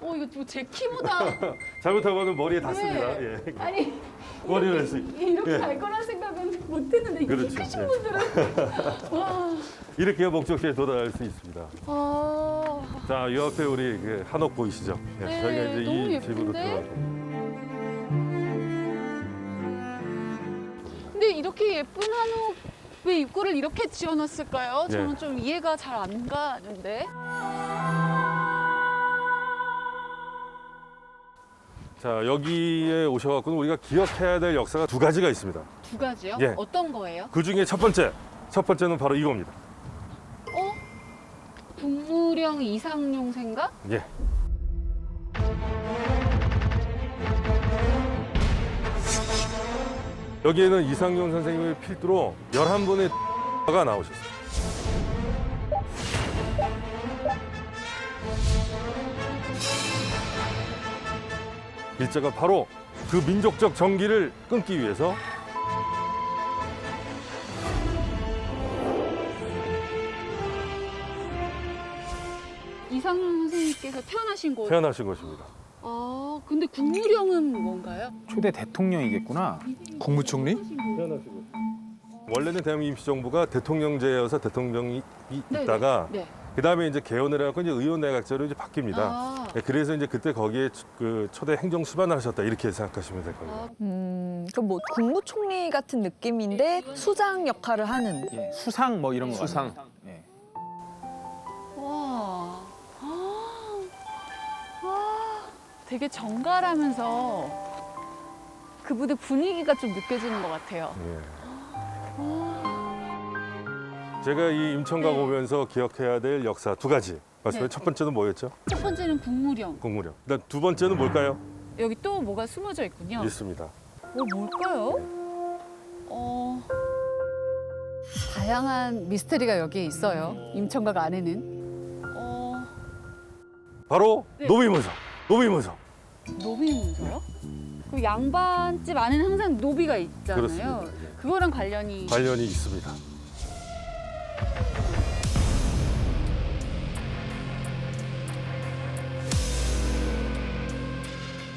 이거 뭐 제 키보다 잘못하고는 머리에 닿습니다. 네. 예. 아니 머리를 할수 이렇게 예. 갈 거란 생각은 못했는데 이렇게 그렇죠. 크신 예. 분들은 와. 이렇게 해야 목적지에 도달할 수 있습니다. 아. 자, 이 앞에 우리 그 한옥 보이시죠? 예, 네, 저희가 이제 너무 이 집으로 예쁜데? 들어가고. 근데 이렇게 예쁜 한옥 왜 입구를 이렇게 지어놨을까요? 예. 저는 좀 이해가 잘 안 가는데. 자, 여기에 오셔갖고는 우리가 기억해야 될 역사가 두 가지가 있습니다. 두 가지요? 예. 어떤 거예요? 그 중에 첫 번째는 바로 이겁니다. 국무령 이상용 생각? 예. 여기에는 이상용 선생님의 필두로 11분의 가 나오셨어요. 일제가 바로 그 민족적 정기를 끊기 위해서 이상용 선생님께서 태어나신 곳. 태어나신 것입니다. 아, 근데 국무령은 뭔가요? 초대 대통령이겠구나. 국무총리? 태어나신 곳. 원래는 대한민국 임시정부가 대통령제여서 대통령이 네, 있다가 네. 그다음에 이제 개헌을 해갖고 이제 의원내각제로 이제 바뀝니다. 아, 그래서 이제 그때 거기에 그 초대 행정 수반을 하셨다 이렇게 생각하시면 될 겁니다. 아, 그럼 뭐 국무총리 같은 느낌인데 수장 역할을 하는. 예, 수상 뭐 이런 거. 수상. 같아요. 예. 와. 와. 되게 정갈하면서 그분의 분위기가 좀 느껴지는 것 같아요. 예. 제가 이 임천각 네. 오면서 기억해야 될 역사 두 가지 말씀해. 네. 첫 번째는 뭐였죠? 첫 번째는 국무령. 국무령. 그다음 두 번째는 뭘까요? 여기 또 뭐가 숨어져 있군요. 있습니다. 뭘까요? 다양한 미스터리가 여기에 있어요. 임천각 안에는. 바로 네. 노비문서. 노비문서. 노비 문서요? 그 양반집 안에는 항상 노비가 있잖아요. 그렇습니다. 예. 그거랑 관련이 관련이 있습니다.